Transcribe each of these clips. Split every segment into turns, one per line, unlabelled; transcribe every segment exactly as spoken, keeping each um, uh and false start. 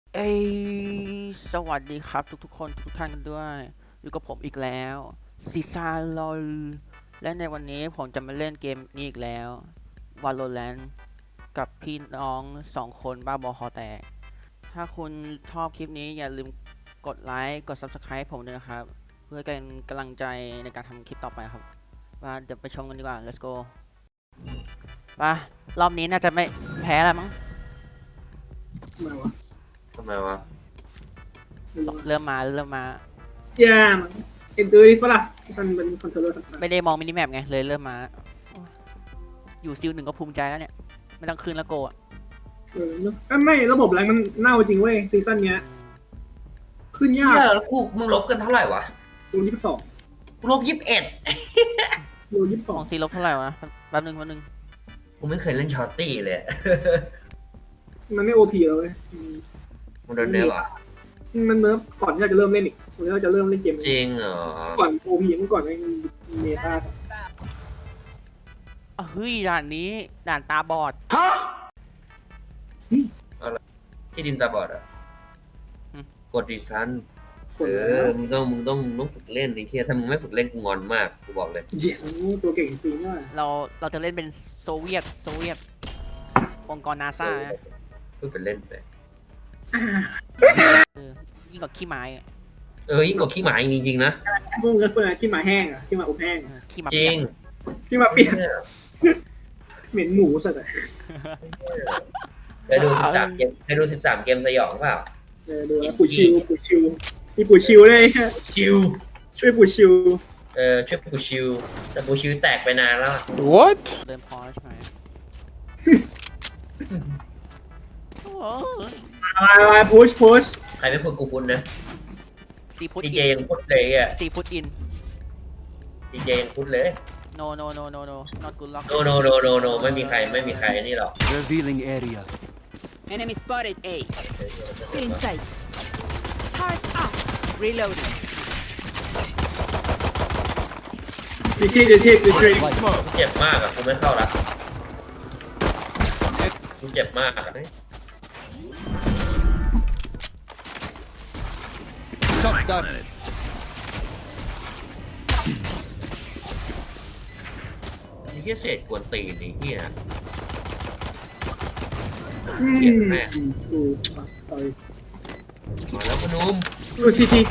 เอ้ยสวัสดีครับทุกๆคนทุกท่านกันด้วยอยู่กับผมอีกแล้วซีซาลอลและในวันนี้ผมจะมาเล่นเกมนี้อีกแล้ว Valorant กับพี่น้องสองคนบ้าบอคอแตกถ้าคุณชอบคลิปนี้อย่าลืมกดไลค์กด Subscribe ผมด้วยนะครับเพื่อเป็นกำลังใจในการทำคลิปต่อไปครับมาเดี๋ยวไปชมกันดีกว่า let's go ไปรอบนี้น่าจะไม่แพ้แล้วมั้ง
ทำไมวะ
ทำไมวะ
ไม่รู้วะ
เริ่มมาเริ่มมา
แย่มันเอ็นดูดิสปะล่ะมันเป็นคอนโทรลเลอร์สักหน่อย
ไม่ได้มองมินิแมปไงเลยเริ่มมา อยู่ซิลหนึ่งก็ภูมิใจแล้วเนี่ย ไม่ต้องคืนละโกอ่ะ
เออเนอะเอ้ยไม่ระบบแรงมันเน่าจริงเว้ยซีซั่นเนี้ยขึ้นยาก
เหี้ยแล้วกูมึงลบกันเท่าไหร่วะ
โดนยี่สิบสอง
กูลบยี่สิบเอ็ด
โดนยี่สิบส
ข
อง
องซีลบเท่าไหร่วะแป๊บนึงแป๊บนึง
กูไม่เคยเล่นช็อตตี้เลย
มันไม่โอพีแล้วเว้ยอืม
มึงโดนเนื้อเหรอ
มันเนิร์ฟก่อนที่เราจะเริ่มเล่นอีกก่อนที่เราจะเริ่มเล่นเกม
จริงเหรอ
ก่อนโอพีเมื่อก่อนมันเมตา
อ่ะเฮ้ยด่านนี้ด่านตาบอด
ที่ดินตาบอดอ่ะ
อืม
กดดีซัน
ค
เอน อ มึงต้องมึงต้องมึงต้องฝึกเล่นไอ้เชี่ยถ้ามึงไม่ฝึกเล่นกูงอนมากกูบอกเลย
เจ๋งตัวเก่งจริงเนี่ย
เราเราจะเล่นเป็นโซเวียตโซเวียตองค์กรนาซา
เพิ่งเป็นเล่นไป
ยิ่งกว่าขี้ไม้อะ
เออยิ่งกว่าขี้หมาจริงๆนะ
พวกมึงก็คนละที่หมาแห้งอ่ะที่หมาอบแห้ง
เอ
อะ
อขี้หมา
จ
เปี
ริ
ย
ง
ก
ที่หมาเปียก
เนี่ย
เหม็นหมูสัตว์อะ
เคยดูสิบสามเกมเคยดูสิบสามเกมสยองเปล่า
เออดูแล้วปู่ชิวปู่ชิวมีปู่ชิวเลย
ชิว
ช่วยปู่ชิว
เออช่วยปูชิวแต่ปูชิวแตกไปนานแล้ว
What?
เริ่มพอแล้วใช่ไหมโอ้ย
มามาพุชพุช
ใครไม่พูดกูพูดนะ
ซีพุท
ดี
อิ
เจ
น
ยังพูดเลยอ่ะ
ซีพุทอิน
ดีเจยังพูดเลย
no no no no no not good luck
no no no no no ไม่มีใครไม่มีใครนี่หรอก
Revealing area.
Enemy spotted A. Stay in sight. Turret up. Reloading.
ดีที่ดีที่ดีที่
เจ็บมากอ่ะกูไม่เข้าละกูเจ็บมากอ่ะ
Shot down.
ไอ้เหี้ยเศษกวนตีนไอ้เหี้ย
อื
เจ็บ
ม
แม่
ดูต่อย
มาแล้วพนุ่ม
ดูซีที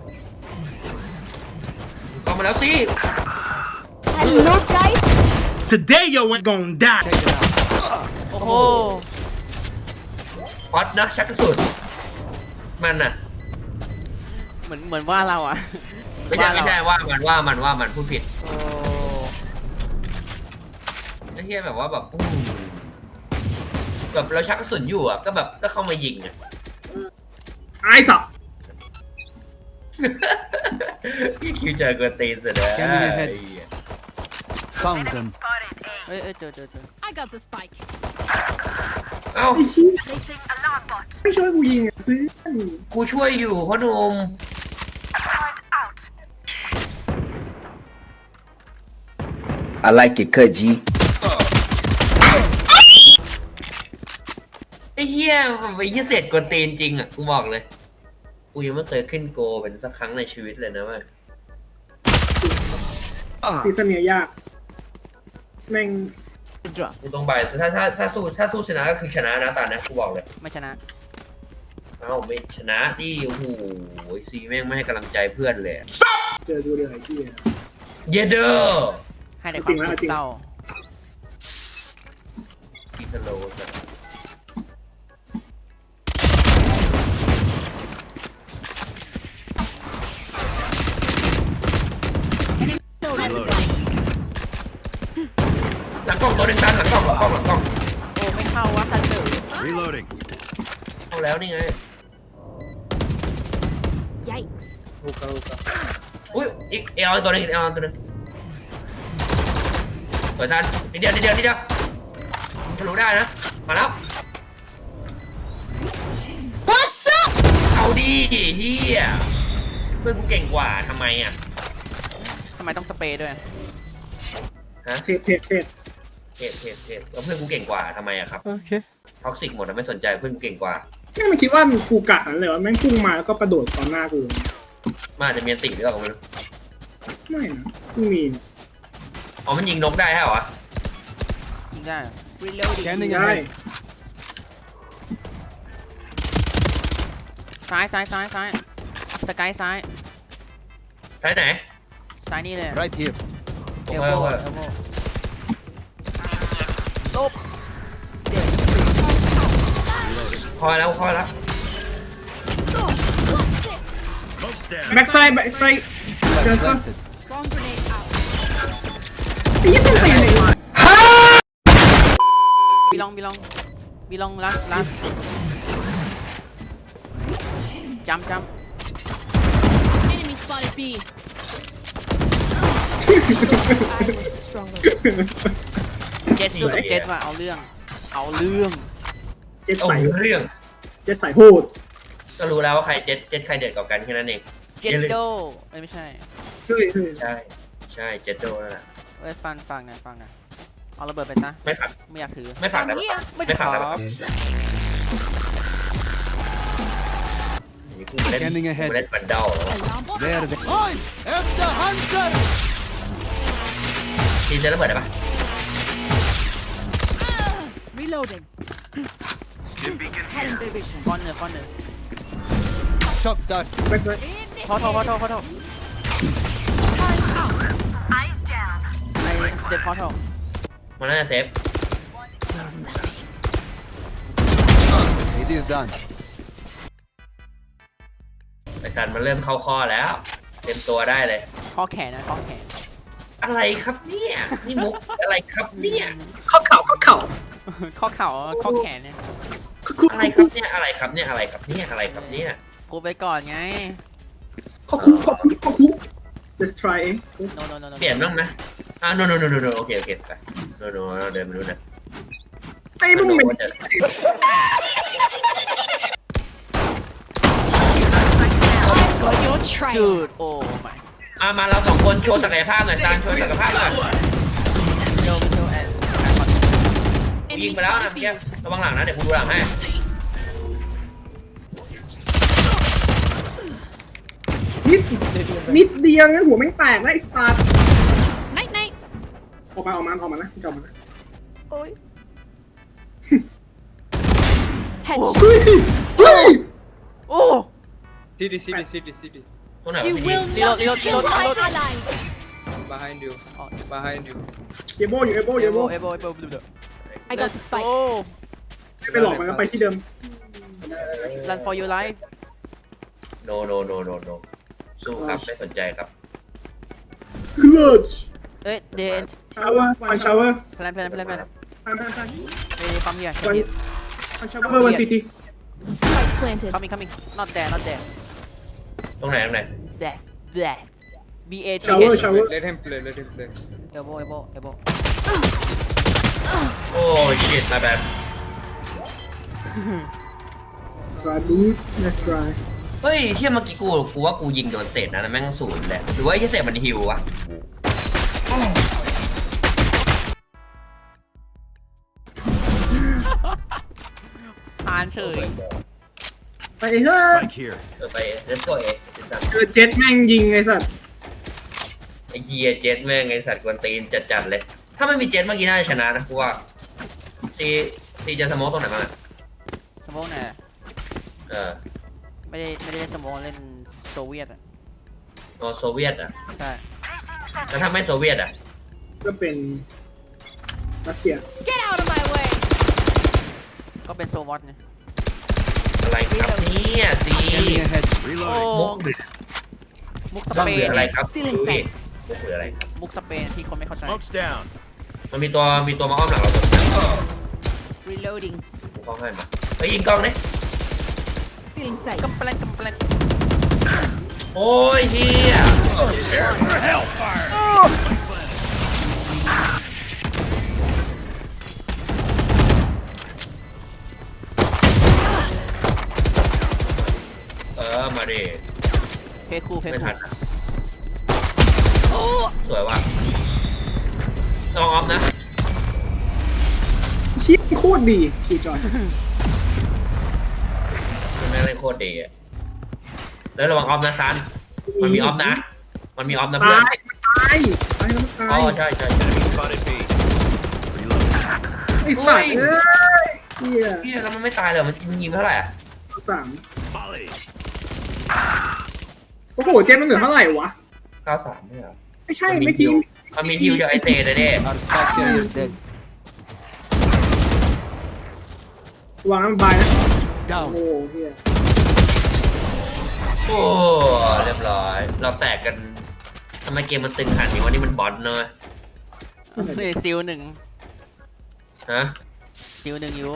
เข้ามาแล้วสิ
Hello, guys.
Today yo ain't gonna die.
Taken out.
โอ้โห
ฮอตนะชักกระสุนมันอ่ะ
เหมือนเหมือนว่าเราอ่ะ
ไม่ใช่ไม่ใช่
ว่าเรา
ว่ามันว่ามันว่ามันพูดผิด
โอ้
ไอ้เหี้ยแบบว่าแบบปุ้งแบบเราชักกระสุนอยู่อ่ะก็แบบก็เข้ามายิงอ่ะ
ไอ้สับ
พี่คิวเจอกวนตีนเสร็จแล้ว
Scanning ahead. Found them.
เอ้ยเอ้ยเจอเจอเจอ
I got the spike.
เอ้า
ไอ้ชี้ไม่ช่วยกูยิงอ่ะเพื่อน
กูช่วยอยู่พ่อหนุ่ม
I like it cut, G.
ไอ้เหี้ยมันไอ้เหี้ยเศษกวนตีนจริงอ่ะกูบอกเลยกูยังไม่เคยขึ้นโกเป็นสักครั้งในชีวิตเลยนะเว้ย
ซีซั่นเนี้ยยากแม่ง
Drop.
กูต้องไปถ้าถ้าถ้าสู้ถ้าสู้ชนะก็คือชนะนะตอนนี้กูบอกเลย
ไม่ชนะ
เอ้าไม่ชนะที่โอ้โหซีแม่งไม่ให้กำลังใจเพื่อนเลย
เจอดูเลยไอ้ที่
เยเดอร์
ให้ในความสุขเศร้า
ซีสโลว์ หลังกล้องตัวหนึ่งตันหลังกล้องหลังกล้องหลังกล้อง
โอ้ไม่เข้าวะทันเดอร์
Reloading.
เข้าแล้วนี่ไง
Yikes.
ลูกกระลูกกระ
อุ้ยอีกเอลตัวหนึงอีกเอลตัวหนึงเปิดทันนิดเดียวนิดเดียวนิดเดียวทะลุได้นะมาแล้ว
What's up?
เอาดิเฮียเพื่อนกูเก่งกว่าทำไมอ่ะ
ทำไมต้องสเปรย์ด้วย
ฮะ
เทปเทปเทป
เทปเทปเทปแล้วเพื่อนกูเก่งกว่าทำไมอ่ะครับ
Okay.
ท็อกซิกหมดนะไม่สนใจเพื่อนกูเก่งกว่า
แม่งมันคิดว่ากูกะหันเลยว่าแม่งพุ่งมาแล้วก็กระโดดตอนหน้ากู
มันอาจจะมีอันติหรือเปล่าก็ไม่รู้
ไม่นะไม่มีนะ
อ๋อมันยิงนกได้เหรอ
ยิงได้เหรอ
Reloading.
Scanning
ได้
ahead.
ซ้ายซ้ายซ้ายซ้ายสกายซ้าย
ใช้ไหน
ซ้ายนี่เลย
Right here.
เอล
โอ
โบ
เค
เอลโบลบ
คอยแล้วคอยแล้ว
แบ็กไซด์แบ็กไซด์เจอก็
Planted.
Bomb grenade out.
ไอ้ยี่สิบสี่เลยว่ะ
บีลองบีลองบีลองลัสลัสจำจ
Enemy spotted B. I was stronger.
ำเจ็ดสุดกับเจ็ดว่ะเอาเรื่อง เอาเรื่อง
เจ็ด
โอ้
ใส่
เรื่อง
เจ็ดใส่โหด
ก็รู้แล้วว่าใครเจ็ดเจ็ดใครเด็ดกว่ากันแค่นั้นเอง
เจ็ดโดเอ้ยไม่ใช่
เฮ้ยเฮ้ย
ใช่ใช่เจ็ดโดนั่นแหละ
เอ้ยฟังฟังหน่อยฟังหน่อยเอาระเบิดไปซะ
ไม่ฝัก
ไม่อยากถือ
ไม่ฝักได้ปะ
ไม่
ไม่
ข
ฝัก
อ
ได้ปะนี่กูมาเล่น
Scanning ahead
กูมาเล่นบันเดลแล้ว
Alarm bot
There
out.
they I am the hunter.
ทีเจะระเบิดได้ปะ
Reloading. Cutting their vision.
ก้อนเนื้อก้อนเนื้อ
Shock dart.
แบ็กไซด์
พอโทษพอโทษพอโทษ
Turret out.
ไอ้สเต็ปพอโทษ
มันน่าจะเซฟ
It is done.
ไอซันมันเริ่มเข้าข้อแล้ว เต็มตัวได้เลย
ข้อแขนนะข้อแขน
อะไรครับเนี่ยนี่มุกอะไรครับเนี่ย
ข้อเข่าข้อเข่า
ข้อเข่าข้อแขนเนี่ย
คุก
อะไรค
คุ
รับ
ก
เนี่ยอะไรครับเนี่ยอะไรครับเนี่ยอะไรครับเนี่ย
กูไปก่อนไง
ข้อคุกข้อคุกข้อคุก let's try เอง
no no no no
เปลี่ยนบ้างไหมอ่า no no no no no โอเคโอเคไป no no เราเดินไปดูนะ
ไอ้มึงเป็น
ว่าจะ
Got your trail.
จืดโอ้ my
อ่ามาเราสองคนโชว์ศักยภาพหน่อยซานโชว์ศักยภาพหน่อย
เดี๋ยวเดี๋ยวแอน
กูยิ
Enemy
งไปแล้วนะ
spotted
เมื่อ
B.
กี้ระวังหลังนะเดี๋ยวกูดูหลังให้
นิดนิดเดียวงั้นหัวไม่งแตกแล้วไอ้สัตว์
Night night.
ออกมาออกมาออกมานะออกมานะ
โอ้ย
Headshot.
เฮ้ยเฮ้ย
โอ้
City, city, city, city.
ตรงไหนวะ
You
พี่
will
Reload,
not
reload,
kill
reload,
my
reload.
allies.
Behind you.
Oh.
Behind you.
เยโบอยู่เยโบ
เอ
เยโบ
โบเอโบเอโบบลูเดอ
I got the spike.
โอ้
ไม่ไปหลอกมันก็ไปที่เดิม
run for your life
no no no no no สู้ครับไม่สนใจครับ
clutch
เอ้ยเดน
shower one shower
แพลนแพลนแพลนแพลน
พันพันพัน
เอ้ยปั๊มเฮีย
one one shower one city
Spike planted.
coming coming not there not there
ตรงไหนตรงไหน
there there B A T
shower
H
shower
Let him play, let him play.
elbow elbow elbow
โอ้ shit my bad
let's try dude let's try
เฮ้ยเที่ยเมื่อกี้กูกูว่ากูยิงโดนเศษนะแล้วแม่งศูนย์แหละหรือว่าไอ้เศษมันฮิววะ
ผ่านเฉย
ไปเถอะ
Like here.
เออไป let's go เอไอ้สัตว์
เจอเจ็ตแม่งยิงไอ้สัตว์
ไอ้เฮียเจ็ตแม่งไอ้สัตว์กวนตีนจัดๆเลย ถ้าไม่มีเจ็ตเมื่อกี้น่าจะชนะนะกูว่าซีซีจะสโมอตรงไหนบ้างอะ
สมองเนี่ย
เออ
ไม่ได้ไม่ได้เล่นสมองเล่นโซเวียตอ่ะ
โอโซเวียตอ่ะ
ใช่
แล้วถ้าไม่โซเวียตอ่ะ
ก็เป็นรัสเซีย
Get out of my way.
ก็เป็นโซวอตไง
อะไรครับเนี่ยซี
Scanning ahead.
โอ้
มุกหรือ
มุกส
บ้าง
เป
หรื
น
ออะไร
เนี่ย
ครับ
Still
ดู
in
ดิ
sight.
มุกหรืออะไรครับ
มุกสเปนที่คนไม่เข้าใจ
Smoke's down.
มันมีตัวมีตัวมาอ้อมหลังเราตัว
Reloading.
กูเข้าให้มาไปยิงกล้องดิ
Still in sight.
กำแปลงกำแปลง
โอ้ยเฮีย เออมาดิ
เพคูเพ
ไม่
คู
ทันนะสวยว่ะลองออฟนะ
ชิปโคตรดีคิวจอย
โคตรดีอะแล้วระวังออฟนะซันมันมีออฟนะ มันมีออฟนะเพื่อน
ตายตายตายแล้วตา
อ๋อย ใช่ใช่ใช่
Spotted B.
ไอ้สัตว์เอ้ยเฮีย
พี่แล้วมันไม่ตายเลยมันยิงเท่าไหร่อะ
สามโอ้โหเจมมันเหลือเท่าไหร่วะ
เก้าสามไม่เหรอ
ไม่ใช่ไม่ทีม
มันมีฮิวจากไอเซเลยเด้
Our spike carrier is dead.
วางน้ำบายนะ โอ้
Down.
โหเฮีย
โอ้เรียบร้อย เราแตกกันทำไมเกมมันตึงขนาดนี้วันนี้มันบอลเนอะ
เฮ้ยซิลหนึ่ง
ฮะ
ซิลหนึ่งอยู่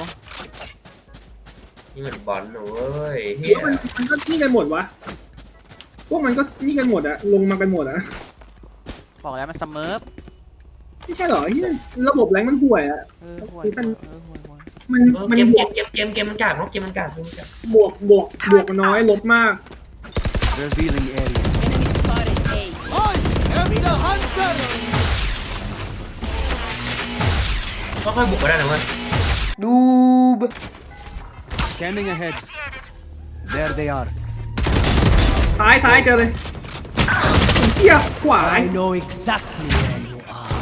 นี่มันบอลเนอะเว้ย
หรื
เฮี
อย ว่ามันมันก็นี่กันหมดวะ พวกมันก็นี่กันหมดอะลงมากันหมดอะ
บอกแล้วมันสเมิร์ฟ
ไม่ใช่เหรอที่ระบบแรงมันห่วยอะ
เออห่วย
มัน
เออห่วยห่วย
มัน
เออ
มัน
เกม
บ
เก
ว
ม
ก
เกมเกมเกมมันกากเนาะเกมมันกากเกมมันกาก
บวกบวกบวกน้อยลบมาก
Revealing area.
Enemy spotted A.
I am the hunter.
ก็ค่อยบุกไปได้นะเว้ย
Scanning ahead. There they are.
ซ้ายซ้ายเจอเลยเฮียขวา
know exactly where you are.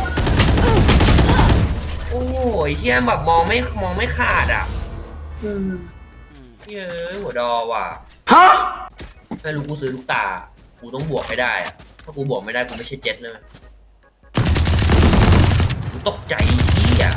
โอ้ยเฮียแบบมองไม่มองไม่ขาดอ่ะ
เออ
เฮ้ยหัวดอว่ะไม่รู้กูซื้อลูกตา กูต้องบวกไม่ได้อะถ้ากูบวกไม่ได้กูไม่ใช่เจ็ตเลยกูตกใจเฮีย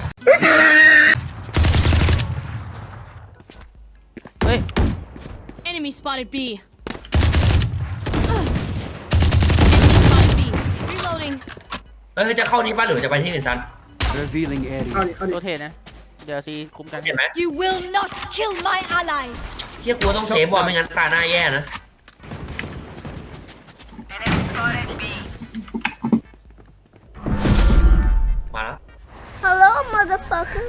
เฮ้ย
Enemy spotted B. Ugh. Enemy spotted B. Reloading.
เฮ้ยจะเข้านี้ป่ะหรือจะไปที่อื่นซัน
Revealing
เข้า
area.
ดิเข้าดิ
โรเทตนะ เดี๋ยวซีคุ้มกัน
เห็นไหม
You will not kill my allies.
เฮียกูต้องเซฟบอลไม่งั้นตาหน้าแย่นะ มาแล้ว
Hello, motherfucker.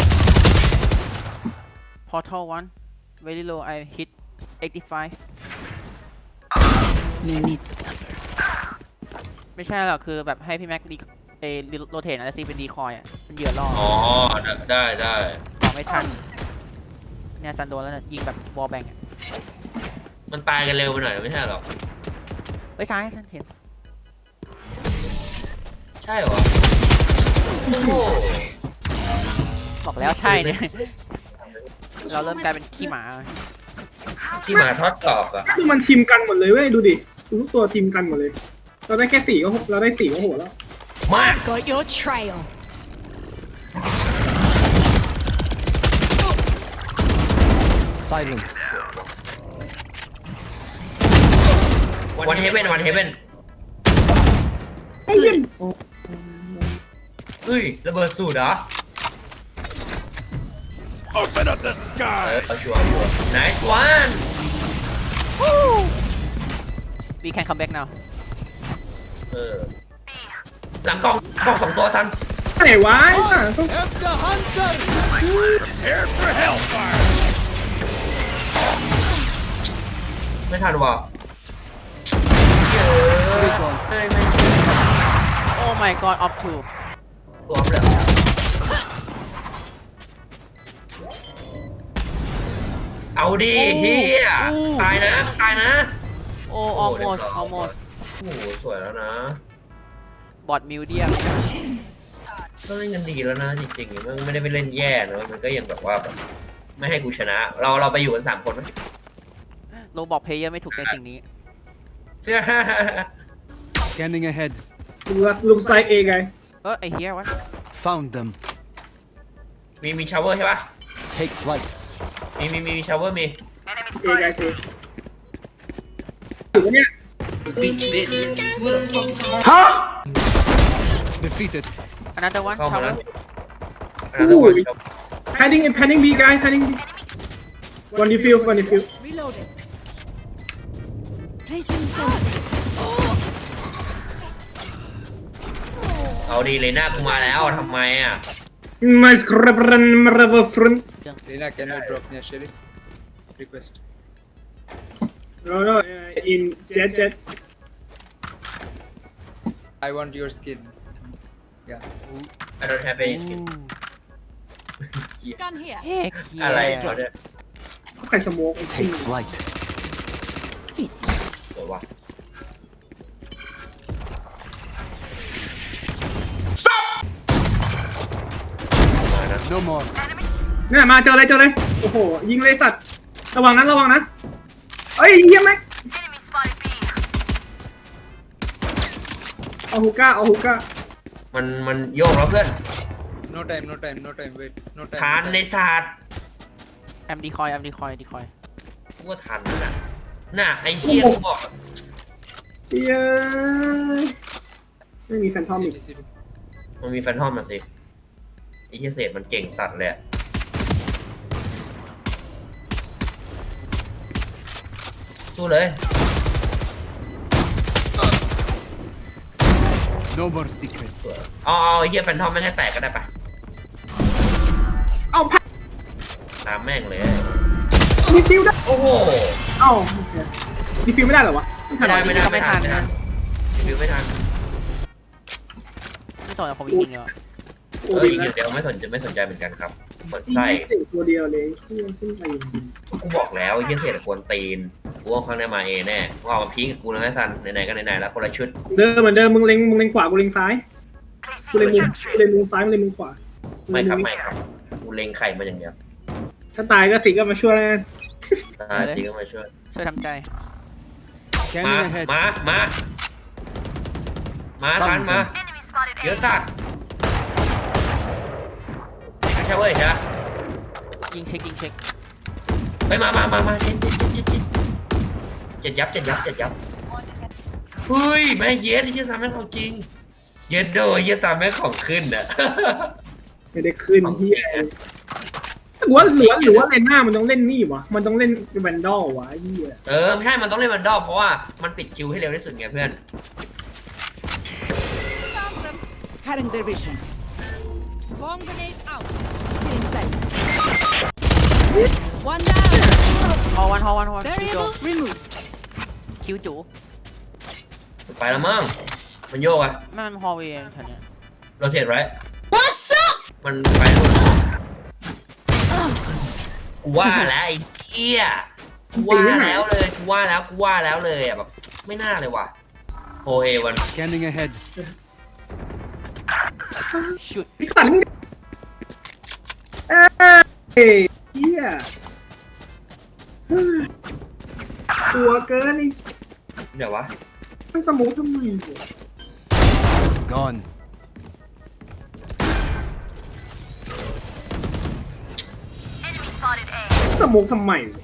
Portal one very low I hit eighty-five
No need to suffer.
ไม่ใช่หรอกคือแบบให้พี่แม็กดีเอโรเทตนะแล้วซีเป็นดีคอยอ่ะเป็นเหยื่อล่อ
อ๋อ ได้ได้
ต่อไม่ทันเนี่ยซันโดนแล้วนะยิงแบบวอลแบงอ่ะ
มันตายกันเร็วไปหน่อยไม่ใช่หรอ
เฮ้ยซ้ายซันเห็น
ใช่เหรอ โอ้โห
บอกแล้วใช่เนี่ย เราเริ่มกลายเป็นขี้หมา
ที่หมาทอดกรอบอ่ะ
ดูมันทีมกันหมดเลยเว้ยดูดิดูทุกตัวทีมกันหมดเลย เราได้แค่สี่ก็เราได้สี่ก็โหแล้ว
มา
Got your trail.
Silence.
วันเฮเว่นวันเฮเว่น
ไอ้เหี้ย
เฮ้ยระเบิดสูตรเหรอ
Open up the
เอ
sky.
อเอาชัวร์ชัวร์ nice one
we can come back now
เออ หลังกล้องกล้องสองตัวซัน
ไหนวะไอ้สัส
Am the hunter. Prepare for hellfire.
ไม่ทันว่ะเยอะไม่ไม่
oh my god off two
ตัวเลยเอาดิเฮียตายนะตายนะ
oh almost almost
โอ้โหสวยแล้วนะ
บอดมิวเดียม
ก็เล่นกันดีแล้วนะจริงๆมันไม่ได้ไปเล่นแย่นะมันก็ยังแบบว่าแบบไม่ให้กูชนะ เราเราไปอยู่กันสามคนไหม
โรบอกเพลเยอร์ไม่ถูกใจสิ่งนี้
Scanning ahead.
ลูกไซเอไง
เออไอเฮียวะ
Found them.
มีมีชาวเวอร์ใช่ปะ
Take flight.
มีมีมีมีชาวเวอร์มี
เอไงสิถือว่าเนี่ย
Defeated.
อันนั้นแต่วัน
เข้า
ชา
มาแล้ว
ว
อันนั้นตัวชาว
padding padding B guy padding B one defuse one defuse
Reloading. Placing sentry.
เอาดีเลยหน้ากูมาแล้วทำไมอ่ะ
my scrapran river front
Lena, can you drop me a sherry? Request.
no no uh, in jet jet
I want your skin. Yeah.
I don't have any skin
Gun here.
เฮ้ยเฮีย
อะไรเขาเนี่ย
ใครรสโมก
Take flight.
เดี๋ยววะ มานะ
No more.
เนี่ยมาเจอเลยเจอเลยโอ้โหยิงเลยสัตว์ระวังนั้นระวังนะเอ้ยเยี่ยมไหมเอาฮูก้าเอาฮูก้า
มันมันโยกแล้วเพื่อน
No time, no time, no time. Wait, no time.
ทาน
no
ใน
time.
ศาสตร์
แอมดีคอยแอมดีคอยดีคอย
กูว่าทันนะน่ะน่ะไอ้เหี้ยกูบอก
เย้ยไม่มีแฟนทอมอีก
City, city.
มันมีแฟนทอมมาสิไอ้เหี้ยเศษมันเก่งสัตว์เลยอะสู้เลย
No more secrets.
เอาเอาไอ้เหี้ยแฟนทอมไม่ให้แตกก็ได้ปะ
เอาพัก
ตามแม่งเลย
ดีฟิวได้
โอ้โห
เอ้าดีฟิวไม่ได้เหรอวะ
ไม่ได้ไม่ได้
ก็ไม่
ไม่
ทั
ทั
น
น
นะ
รีวิวไม่ทัน
ไม่สนกับผมจริงๆเลย
โอ้
เออ
ดี
อีก
นะ
เดียวไม่สนใจไม่สนใจเหมือนกันครับเปิด
ยิง
ไส้
เสียตัวเดียวเลยช่วงขึ้นไปจริง
กูบอกแล้วไอ้เหี้ยเศษกวนตีนกูว่าครั้งหน้ามาเอแน่กูเอามาพิงกับกูนะไอ้ซันไหนๆก็ไหนๆแล้วคนละชุด
เดิมเหมือนเดิมมึงเล็งมึงเล็งขวากูเล็งซ้ายกูเล็งมุมกูเล็งมุมซ้ายมึงเล็งมุมขวา
ไม่ครับไม่ครับกูเล็งไข่มาอย่างเดียว
ถ้าตายก็สิก็มาช่วยแล้วกัน
ตายทีก็มาช่วย
ช่วยทำใจ
มา
Scanning ahead.
มามามาทันมาเยอะสัตว์ไม่ใช่เว้ยใช่
ยิงเช็คยิงเช็ค
ไปมามามามาเจ็ดเจ็ดเจ็ดเจ็ดเจ็ดยับเจ็ดยับเจ็ดยับเฮ้ยแม่เย็ดไอ้เหี้ยสามแม่งของจริงเย็ดโดยเหี้ยสามแม่งของขึ้นอ่ะ
ไม่ได้ขึ้นที่หรือว่าหรือว่าหรือว่าเลนหน้ามันต้องเล่นนี่วะมันต้องเล่นแวนดอลวะไอ้เหี้ย
เออไม่ใช่มันต้องเล่นมันดอกเพราะว่ามันปิดคิวให้เร็วที่สุดไงเพื่อน
Cutting their vision.
Bomb grenade out.
In sight.
One down.
ฮอวันฮอวันฮอวันคิวจู
Variable removed.
คิวจู
ไปแล้วมั้งมันโยกอ่ะ
ไม่มันฮอเวย์แถวเนี้ย
โรเทตไร What's up มันไปนู่นกูว่าแล้วไอ้เหี้ยกูว่าแล้วเลยกูว่าแล้วกูว่าแล้วเลยอ่ะแบบไม่น่าเลยว่ะโอเอวัน
Scanning ahead.
ชุด
ไอ้สัตว์มึงเอ้ยเหี้ยตัวเกินไอ้
เดี๋ยววะ
มันสมูททำไมวะ
Gone.
สมูททำไมวะ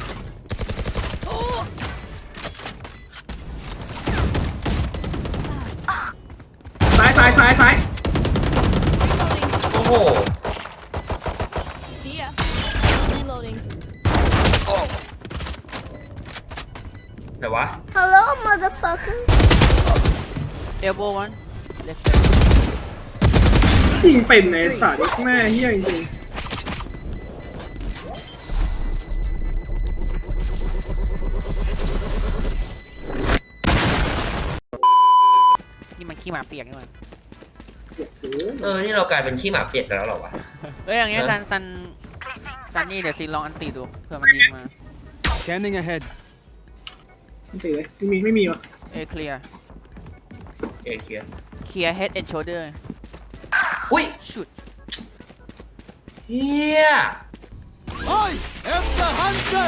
ซ้ายซ้ายซ้ายซ้าย
โอ้โห
See ya. Reloading.
เดี๋ยววะ
Hello, motherfucker.
เอลโบวันเลฟ
ยิงเป็นไอ้สัตว์แม่เหี้ยจริง
นี่มันขี้หมาเปียกนี่มัน
เออนี่เรากลายเป็นขี้หมาเปียกแล้วเหรอวะ
เอ้ยอย่างเงี้ยซันซันซันนี่เดี๋ยวซีลองอันตีดูเผื่อมันยิงมา
Scanning ahead.
ไม่สิเลยไม่มีไม่มีวะ
เอเคลียร์
เอเคลียร์
เคลียร์เฮดแอนด์โชเดอร์
อุ้ย
ชุด
เฮีย
I am the hunter.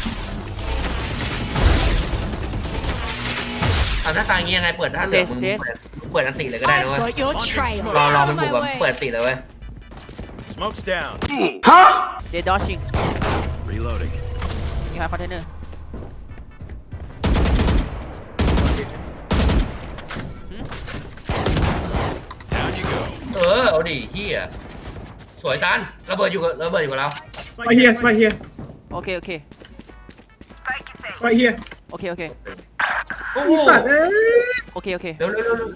ทำหน้าตาอย่างงี้ยังไงเปิดท่าเหลืองมึงเปิดมึงเปิดอันติเลยก็ได้นะ
I've
เว้ย
got your trail.
รอรอมันบุกแบบเปิดอันติเลยเว้ย
Smoke's down.
เดดดอชิง
Reloading.
มีฮาร์คอนเทนเนอร์
Down you go.
เออเอาดิเฮียสวยซันระเบิดอยู่กับระเบิดอยู่กับเรา
ไปเฮียไปเฮีย
โอเคโอเค
ไปเฮีย
โอเคโอเค
โอ้
ไอ้
โห
สัตว์เอ้ย
โอเคโอเค
เร็วเร็วเร็วเร็ว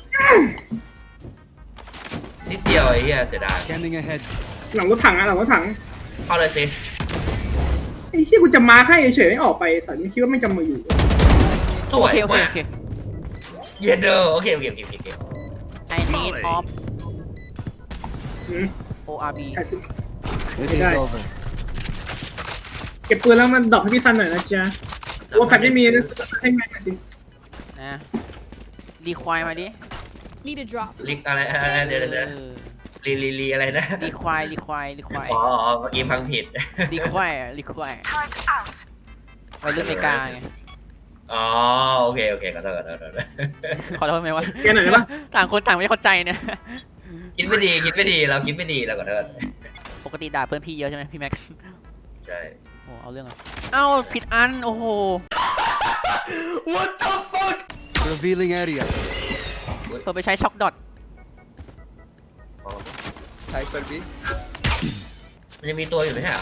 นิดเดียวไอ้เฮียเสียดาย
Scanning ahead.
หลังรถถังอะหลังรถถัง
เข้าเลยสิ
ไอ้ที่กูจะมาให้เฉยๆไม่ออกไปสัตว์นี่คิดว่าไม่จำมาอยู่
ส
โอ
วย
เคโอเค
มาก
โอเค
เยเดอร์โอเคโอเคโอเคโอเค
I need off
อืม
O R B
ใครสิ
It
Okay.
is over.
เก็บปืนแล้วมันดรอปให้พี่ซันหน่อยนะจ๊ะว่าแฟลชไม่มีนะให้แม็กหน่อยสิ
นะรีควายมาดิ
Need a drop.
ลิกอะไรอะไรเดี๋ยวเดี๋ยวเดี๋ยว
เออ
ลีลีลีอะไรนะ
รีควายรีควายรีควาย
อ๋ออ๋อเมื่อกี้ฟังผิด
รีควายรีควายไปเรื่องอเมริกาไง
อ๋อโอเคโอเคขอโทษขอโทษขอโทษ
ขอโทษไหมวะ
แกหน่อยได้ปะ
ต่างคนต่างไม่เข้าใจเนี่ย
คิดไม่ดีคิดไม่ดีเราคิดไม่ดีเราขอโทษ
ปกติด่าเพื่อนพี่เยอะใช่ไหมพี่แม็ก
ใช่
โอ้เอาเรื่องอ่ะเอ้าผิดอันโอ้โห
What the fuck?
Revealing area.
เพิ่มไปใช้ช็อกดอท
อ๋อ
Cypher B.
มันยังมีตัวอยู่ไหมฮะ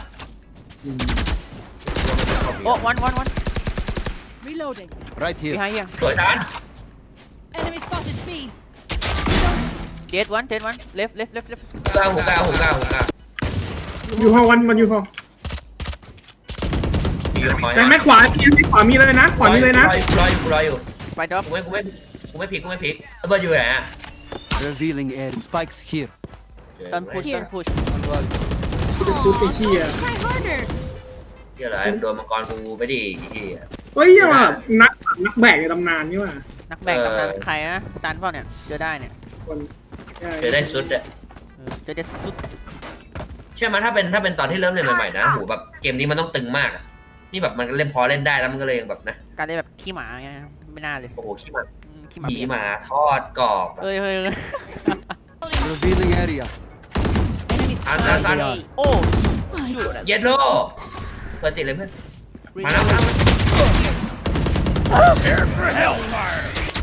โอ้วันวันวัน
Reloading.
Right
พี่
here.
ไฮยัง
สวยทาน
Enemy spotted B.
เดดวันเดดวันเลฟเลฟเลฟเลฟ
กล้าหูกล้าหูกล้าหูกล้า
อยู่ห้องวันมันอยู่ห้อง
มีอยู่คอย
แต่ไม่ขวาพี่ไม่ขวามีเลยนะ ขวามีเลยนะ
รออยู่รออยู่รออยู่
ไปดรอป
กูไม่กูไม่กูไม่พลิกกูไม่พลิกระเบิดอยู่ไหนอ่ะ
Revealing area. Spikes here.
ต้นพุชต้นพุช
ดูไปเชีย
Try harder.
เฮียอะไรโดนมังกรกูไปดิเฮีย
เฮ้ยยังแบบนักนักแบกในตำนานนี่ว่ะ
นักแบกตำนานใครนะซันเปล่าเนี่ยเจอได้เนี่ย
คน
เดี๋ยวได้ซุดอ่ะ
เออเจอเด็ดสุด
เชื่อไหมถ้าเป็นถ้าเป็นตอนที่เริ่มเล่นใหม่ๆนะโหแบบเกมนี้มันต้องตึงมากอะนี่แบบมันเล่นพอเล่นได้แล้วมันก็เลยยังแบบนะ
การได้แบบขี้หมาเงี้ยไม่น่าเลย
โอ้โหขี้หมา
อืมขี้หมา
ขี่
เปียก
หมาทอดกรอบ
เอ้ยเฮ้ยเฮ้ย
Revealing area.
Enemy
Sun,
spotted
sun, sun.
A.
โอ้
เย็ดโลเปิดติดเลยเพื่อนมาแล้วมาแล้ว
Prepare for hellfire.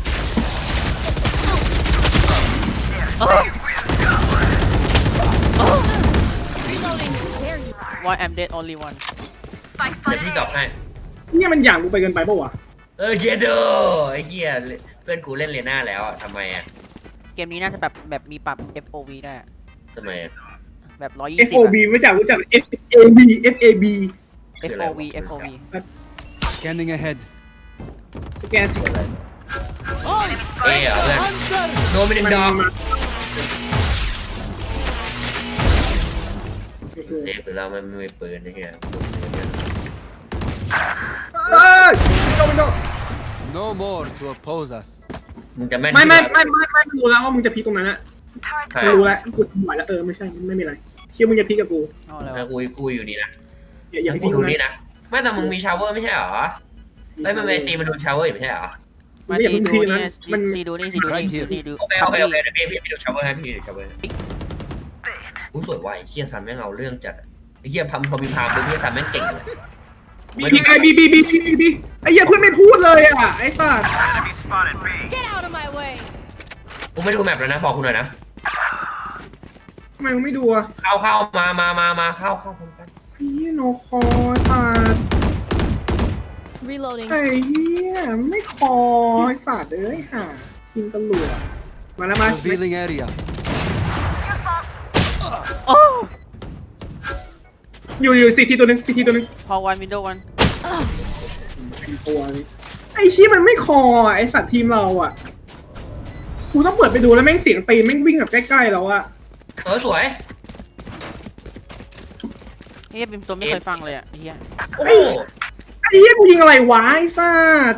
ว Why I'm dead only one
เดี๋ยวพี่ตอบให้
เนี่ยมันอย่างกูไปเกินไปปะวะ
เออเย็ดโลไอ้เหี้ยเพื่อนกูเล่นเลน่าแล้วอะทำไมอ่ะ
เกมนี้น่าจะแบบแบบมีปรับ เอฟ โอ วี ได้อะ
ทำไมอะ
แบบร้อยยี่
เอฟ
สิบ
โอ บีไม่จากรู้จัก F A B F A B
เอฟ โอ วี เอฟ โอ วี
Scanning ahead.
สแกนสิ
อะไรเอ้ยเหรอเพื่อนโดนไปหนึ่งดอก
มา
เซฟหรือเรามันไม่มีปืนนะเฮีย
เอ้ยโดนโดน
No more to oppose us.
มึงจะแม่น
ไม่ไม่ไม่ไม่ไม่ไม่รู้แล้วว่ามึงจะพีตรงนั้นอะ
ใช่
กูรู้แล้วกูทำไหวแล้วเออไม่ใช่ไม่มีอะไรเชื่อมึงจะพีกับกู
เอาแล้ว
แล้วกูกูอยู่นี่นะ
อย่าอย่า
แล้ว
พี
กู
ต
อ
รง
ยู่
นั้น
นี่นะไม่แต่มึงมีชาวเวอร์ไม่ใช่เหรอไอ้มันเมซีมันดูชาวเวอร์อยู่ไม่ใช่เหรอ
มาซีดูนี่ซีดูนี่ซีดูนี่ดูนี่ดู
โอเค
คั
โอ
ม
เค
บี้
โอเคเดี๋ยวพี่พี่ดูชาวเวอร์ให้พี่ดูชาวเวอร์กูสวยว่ะไอ้เฮียซันแม่งเอาเรื่องจัดไอ้เฮียพัมพอมีพามดูพี่ซันแม่งเก่งเลย
บีบีไอบีบีบีบีบีไอ้เหี้ยเพื่อนไม่พูดเลยอ่ะไอ้สัส
Get out of my way.
กูไม่ดูแมปแล้วนะบอกกูหน่อยนะ
ทำไมมึงไม่ดูอ่ะ
เข้าเข้ามามามามาเข้าเข้าพร้อมกัน
ไอ้เหี้ยโนคอสัส
Reloading.
ไอ้เหี้ยไม่คอไอ้สัสเอ้ยห่าทีมตำรวจมาแล้วมา
Revealing area.
โอ้
อยู่อยู่ซีทีตัวหนึงซีทีตัวหนึง
พอวันวินโดว์วัน
ตัวนี้ไอ้ที่มันไม่คอไอ้สัตว์ทีมเราอ่ะกูต้องเปิดไปดูแล้วแม่งเสียงตีนแม่งวิ่งแบบใกล้ๆเราอ่ะ
เออสวย
เฮียเป็นตัวไม่เคยฟังเลยอ่ะเฮีย
โอ้โห
ไอ้เหี้ยกูยิงอะไรวะไอ้สัตว์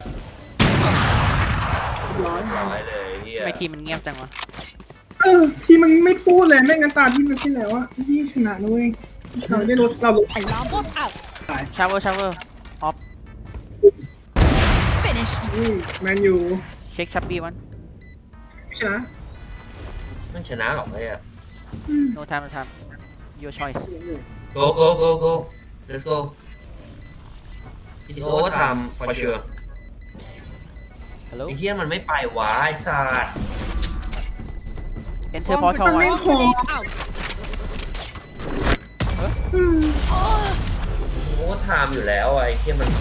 ร้อย
ร้อยเลยเฮีย
ทำไมทีมมันเงียบจังวะ
เออทีมมันไม่พูดเลยแม่งกันตาที่มันที่แล้วอ่ะที่ชนะนะเว้ยเราได้ลดเราลด
Alarm bot out.
ชาเวอร์ชาเวอร์ออฟ
Finished.
แมนยู
เช็คชับบี้วัน
ไม่ชนะ
ไม่ชนะหรอกไอ้อะ
โนทามโนทาม your choice
go go go go let's go it's overtime for sure
ฮัลโหล
ไอ้เฮียมันไม่ไปวะไอ้สัส
enter portal
มัน
one
ไม่คอ
Grenade out.
โอ้ไทม์อยู่แล้วไอ้เฮียมัน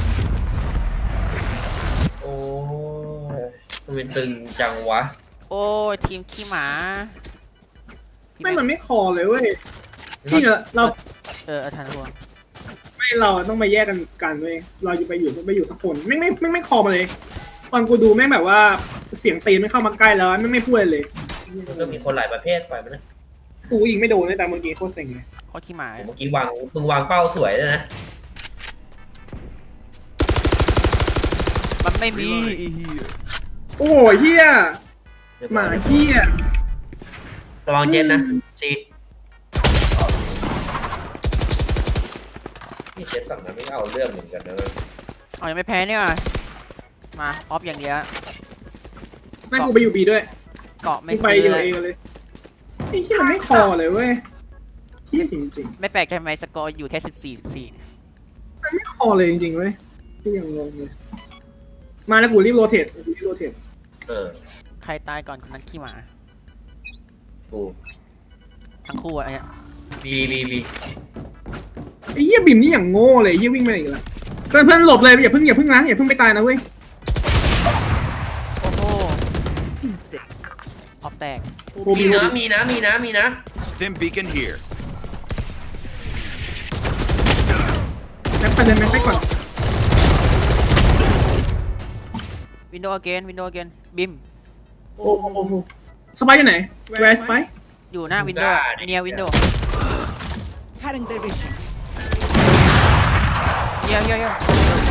โอ้ยมันเป็นตึงจังวะ
โอ้ยทีมขี้หมา
ไม่มันไม่คอเลยเว้ยที่เราเรา
เอออาจารย์พวง
ไม่เราต้องมาแยกกันกันเว้ยเราจะไปอยู่ไปอยู่สักคนไม่ไม่ไม่ไม่คอมาเลยตอนกูดูแม่งแบบว่าเสียงตีนไม่เข้ามาใกล้แล้วไม่ไม่พูดเลย
มันก็มีคนหลายประเภทไปมันนะ
กูยิงไม่โดนเลยแต่เมื่อกี้โคตรเซ็งเลย
โคตรขี้หมา
ผมเมื่อกี้วางมึงวางเป้าสวยเลยนะ
ไม่มี
โอ้โหเฮียหมาเฮีย
ระวังเจนนะซีนี่เจนฝั่งนั้นไม่เอาเรื่องเหมือนกันนะเลย
เอายังไม่แพ้เนี่ยมาออฟอย่างเดียว
แม่งกูไปอยู่บีด้วย
เกาะไม่
กูไป
ซื้อ
เดียว
เลย
เองเลยไอ้เฮียมันไม่คอเลยเว้ยเฮียจริง
ไม่แปลกใจไหมสกอร์อยู่แค่สิบสี่สิบสี่
ๆมันไม่คอเลยจริงๆเว้ยที่ยังงงเลยมาแล้วกูรีบโรเทตกูรีบโรเทต
เออ
ใครตายก่อนคนนั้นขี้หมา
กู
ทั้งคู่อะเนี่ย
บีบีบี
ไอ้เฮียบิมนี่อย่างโง่เลยเฮียวิ่งมาอีกแล้วเพื่อนเพื่อนหลบเลยอย่าเพิ่งอย่าเพิ่งนะอย่าเพิ่งไปตายนะเว้ย
โอ้โห
Insect.
ออฟแตก
โอ้
มี
บิ
นะมีนะมีนะมีนะ
Stim beacon here.
แม็กไปเลยแม็กไปก่อน
วินโดว์อเกนวินโดว์อเกนบิม
โอ้โหโอ้โหสไปอยู่ไหน where is สไป
อยู่หน้าวินโดว์เนียวินโดว์
Cutting their vision.
เนียเนียเนีย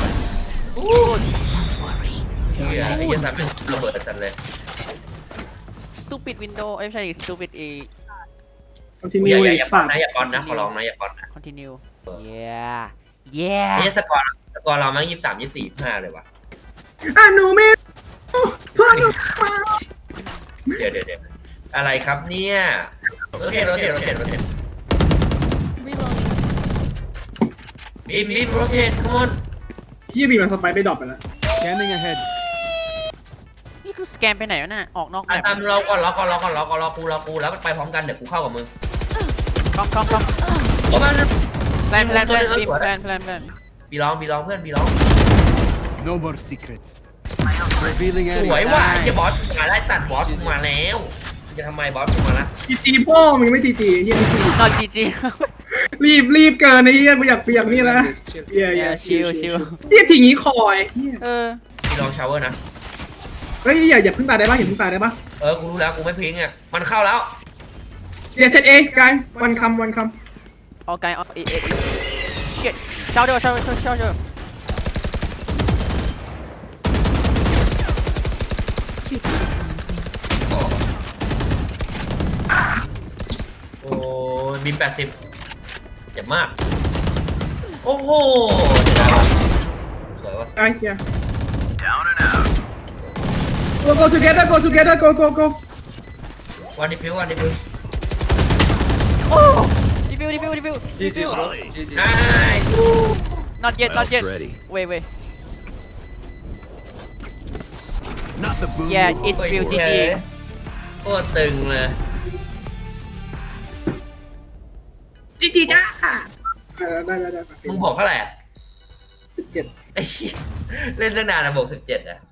เฮียไอ้เหี้ยสามเป็นระเบิดสัตว์เลย
สตูปิดวินโดว์เอ้ยไม่ใช่สตูปิดเอ
คอนติ
อ
เนีย
ย่า
เล
อย่าย อย่าป้อ
ฝาน ก
นะอย่าป้อนนะขอร้องนะอย่าป้อนนะ
คอนติเนียเย้เย้
ไอ้เหี้ยสกอร์สกอร์เราแม่งยี่สิบสามยี่สิบสี่ห้าเลยวะ
อ่ะหนูไม่เพื่อนหนูมา
เดี๋ยวเดี๋ยวเดี๋ยวอะไรครับเนี่ยโรเทตโรเทตโรเทตโรเทต
Reloading.
บีมบีมโรเทตทุกคน
เฮียบีมันสไปไปดรอปไปแล้ว
Scanning ahead.
นี่คือสแกนไปไหนวะน่ะออกนอกแม
อ่ะ
ป
ตามรอก่อนรอก่อนรอก่อนรอก่อนรอกูรอกูแล้วไปพร้อมกันเดี๋ยวกูเข้ากับมึง
กล้องกล้องกล้อง
โอ้มัน
แพลนแพลนแพลนบิมแพลนแพลนแพลน
บีร้องบีร้องเพื่อนบีร้อง
No more secrets. Revealing
สวย
area.
ว่ะไอ้เหี้ยบอสมาได้สัตว์บอสมาแล้วจะทำไมบอสมาละ
จีจีพ่อมึงไม่จีจีเฮียไม่จี
นอนจีจี
รีบรีบเกินไอ้เฮียกูอยากกูอยากนี่นะเฮียเฮีย
ชิลชิล
เฮียทีงี้คอยเฮีย
เออ
บีร้องชาวเวอร์นะ
เฮ้ยอย่าอย่าเพิ่งตายได้ปะอย่าเพิ่งตายได้ปะ
เออกูรู้แล้วกูไม่พิงอ่ะมันเข้าแล้ว
อย่าเซตเองกายวันคำวันค
ออกไกลออกเอเอเชิดเช้าเดียวเช้าเช้าเช้าเช้า
โอ้ยบินแปดสิบเจ็บมากโอ้โหเดี๋ยวสวยว่ะ
ำไอ้เฮีย go go together go together go go go
วันดิฟิววันดิฟิว
โอ้รีวิวรีวิวรีวิว
G G bro. G G.
ได้
not yet not yet
ready.
wait wait
Not the boom.
yeah it's
โอ้ย
real จี
เฮ้
จี
ยโคตรตึงเลย
จีจีจ้าได้ได้ได้
มึงบอกเท่าไหร่อะ
สิบเจ็ด
ไอ้เหี้ยเล่นตั้งนานอะบอกสิบเจ็ดอะ